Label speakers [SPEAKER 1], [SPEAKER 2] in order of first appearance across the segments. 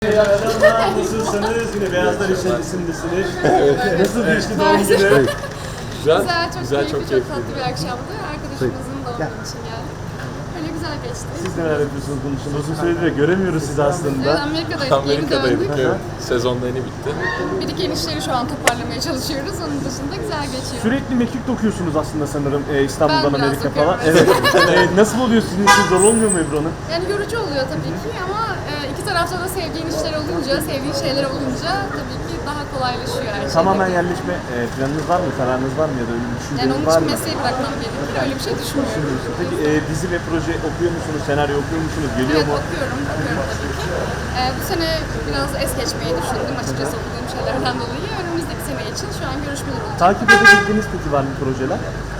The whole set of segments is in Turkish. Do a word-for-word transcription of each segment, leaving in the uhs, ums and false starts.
[SPEAKER 1] Merhaba, nasılsınız? Yine Beyazlar İçerisin'desiniz. Nasıl geçti doğum günü?
[SPEAKER 2] Güzel,
[SPEAKER 3] Güzel, çok
[SPEAKER 2] güzel,
[SPEAKER 3] keyifli,
[SPEAKER 2] çok
[SPEAKER 3] çok,
[SPEAKER 2] keyifli.
[SPEAKER 3] tatlı bir akşamdı. Arkadaşımızın doğum günü için geldik. Öyle güzel geçti.
[SPEAKER 1] Siz neler yapıyorsunuz bunun için? Uzun süredir de göremiyoruz sizi
[SPEAKER 3] Evet,
[SPEAKER 1] aslında.
[SPEAKER 3] Amerika'daydık, yeni
[SPEAKER 2] Amerika'daydık,
[SPEAKER 3] döndük.
[SPEAKER 2] evet. Sezonda yeni bitti.
[SPEAKER 3] Bir iki işleri şu an toparlamaya çalışıyoruz. Onun dışında güzel geçiyor.
[SPEAKER 1] Sürekli mektup okuyorsunuz aslında sanırım e, İstanbul'dan
[SPEAKER 3] Ben biraz
[SPEAKER 1] Amerika
[SPEAKER 3] okuyorum,
[SPEAKER 1] falan. Evet.
[SPEAKER 3] evet.
[SPEAKER 1] E, nasıl oluyor sizin için? Zor olmuyor mu Ebru Hanım?
[SPEAKER 3] Yani yorucu oluyor tabii ki ama e, iki tarafta da sevdiğin işler olunca, sevdiğin şeyler olunca tabii ki daha kolaylaşıyor her şey.
[SPEAKER 1] Tamamen yerleşme e, planınız var mı? Kararınız var mı ya da öyle bir
[SPEAKER 3] Yani
[SPEAKER 1] düşünceniz
[SPEAKER 3] onun
[SPEAKER 1] var
[SPEAKER 3] için
[SPEAKER 1] mı?
[SPEAKER 3] mesleği bırakmam gerekir. Öyle bir şey düşünmüyorum.
[SPEAKER 1] Peki e, dizi ve proje okuyor musunuz? Senaryo okuyor musunuz? Geliyor
[SPEAKER 3] Evet
[SPEAKER 1] mu?
[SPEAKER 3] okuyorum, okuyorum tabii ki. Ee, bu sene biraz es geçmeyi düşündüm açıkçası okuduğum şeylerden dolayı. Önümüzdeki sene için şu an görüşmeler olacak.
[SPEAKER 1] Takip edebildiğiniz peki var mı projeler?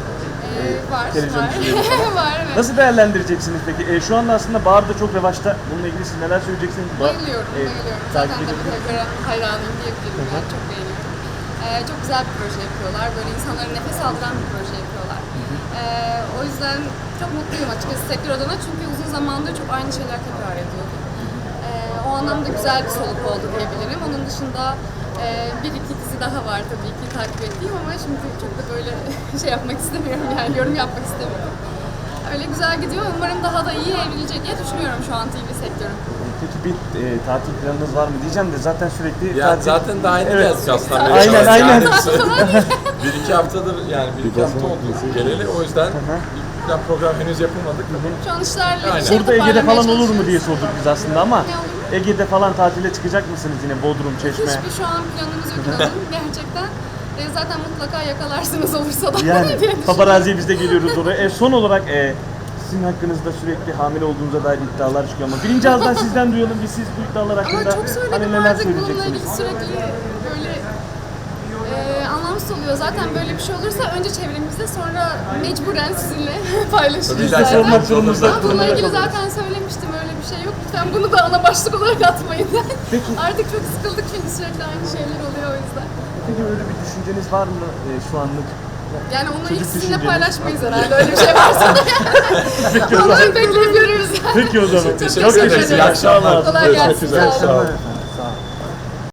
[SPEAKER 3] Ee, var,
[SPEAKER 1] televizyon
[SPEAKER 3] var.
[SPEAKER 1] dizileri.
[SPEAKER 3] var, evet.
[SPEAKER 1] Nasıl değerlendireceksiniz peki? E, şu anda aslında Bahar da çok revaçta. Bununla ilgili siz neler söyleyeceksiniz? Ba-
[SPEAKER 3] Bayılıyorum,
[SPEAKER 1] e,
[SPEAKER 3] bayılıyorum.
[SPEAKER 1] takip
[SPEAKER 3] Zaten tabii
[SPEAKER 1] ediyorsunuz.
[SPEAKER 3] Telgara hayranıyım diyebilirim. Ben çok beğeniyorum. Ee, çok güzel bir proje yapıyorlar. Böyle insanların nefes aldıran bir proje yapıyorlar. Ee, o yüzden çok mutluyum açıkçası sektör adına. Çünkü uzun zamandır çok aynı şeyler tekrar ediyordu. Ee, o anlamda güzel bir soluk oldu diyebilirim. Onun dışında e, bir iki dizi daha var tabii ki takip ettiğim ama şimdi çok da böyle şey yapmak istemiyorum yani yorum yapmak istemiyorum. Öyle güzel gidiyor. Umarım daha da iyi evrilecek diye düşünüyorum şu an T V sektörü.
[SPEAKER 1] Peki bir e, tatil planınız var mı diyeceğim de zaten sürekli
[SPEAKER 2] Ya
[SPEAKER 1] tatil...
[SPEAKER 2] zaten daha yeni
[SPEAKER 1] Evet.
[SPEAKER 2] geldik aslında.
[SPEAKER 1] Aynen,
[SPEAKER 2] Amerika'dan.
[SPEAKER 1] aynen.
[SPEAKER 2] Yani bir iki haftadır yani bir iki hafta oldu geleli. O yüzden bir plan program henüz yapılmadık.
[SPEAKER 3] Şu an işlerle
[SPEAKER 2] Aynen.
[SPEAKER 3] bir şey
[SPEAKER 1] Burada Ege'de falan olur mu diye
[SPEAKER 3] çalışıyoruz.
[SPEAKER 1] sorduk biz aslında ama
[SPEAKER 3] Ne olur?
[SPEAKER 1] Ege'de falan tatile çıkacak mısınız yine Bodrum, Çeşme?
[SPEAKER 3] Hiçbir şu an planımız yok inanın gerçekten. E, zaten mutlaka yakalarsınız olursa da
[SPEAKER 1] Yani
[SPEAKER 3] diye düşünüyorum.
[SPEAKER 1] paparazziye biz de geliyoruz oraya. E, son olarak e, sizin hakkınızda sürekli hamile olduğunuza dair iddialar çıkıyor ama birinci ağızdan sizden duyalım biz siz bu iddialar
[SPEAKER 3] Ama
[SPEAKER 1] hakkında
[SPEAKER 3] çok söyledim
[SPEAKER 1] hani neler
[SPEAKER 3] artık bununla
[SPEAKER 1] söyleyeceksiniz?
[SPEAKER 3] ilgili sürekli böyle e, anlamsız oluyor. Zaten böyle bir şey olursa önce çevremizde sonra mecburen sizinle paylaşıyoruz
[SPEAKER 2] Biz de
[SPEAKER 3] zaten.
[SPEAKER 1] sormak durumunda
[SPEAKER 3] Ama bununla
[SPEAKER 1] durumda
[SPEAKER 3] ilgili
[SPEAKER 1] kalıyoruz.
[SPEAKER 3] zaten söylemiştim öyle bir şey yok. Lütfen bunu da ana başlık olarak atmayın.
[SPEAKER 1] Peki.
[SPEAKER 3] Artık çok sıkıldık çünkü sürekli aynı şeyler oluyor o yüzden.
[SPEAKER 1] Peki öyle bir düşünceniz var mı e, şu anlık?
[SPEAKER 3] Yani onları
[SPEAKER 1] Çocuk
[SPEAKER 3] ilk sizinle
[SPEAKER 1] düşünceniz.
[SPEAKER 3] paylaşmayız herhalde öyle bir şey varsa da.
[SPEAKER 1] Peki o zaman.
[SPEAKER 3] Onları bekleyip görürüz yani.
[SPEAKER 1] Peki o zaman.
[SPEAKER 2] Teşekkür
[SPEAKER 1] Çok
[SPEAKER 2] ederiz.
[SPEAKER 1] teşekkür
[SPEAKER 2] İyi akşamlar.
[SPEAKER 3] Kolay
[SPEAKER 2] Görüşmek
[SPEAKER 3] gelsin.
[SPEAKER 2] üzere.
[SPEAKER 3] Sağ olun.
[SPEAKER 1] ederim.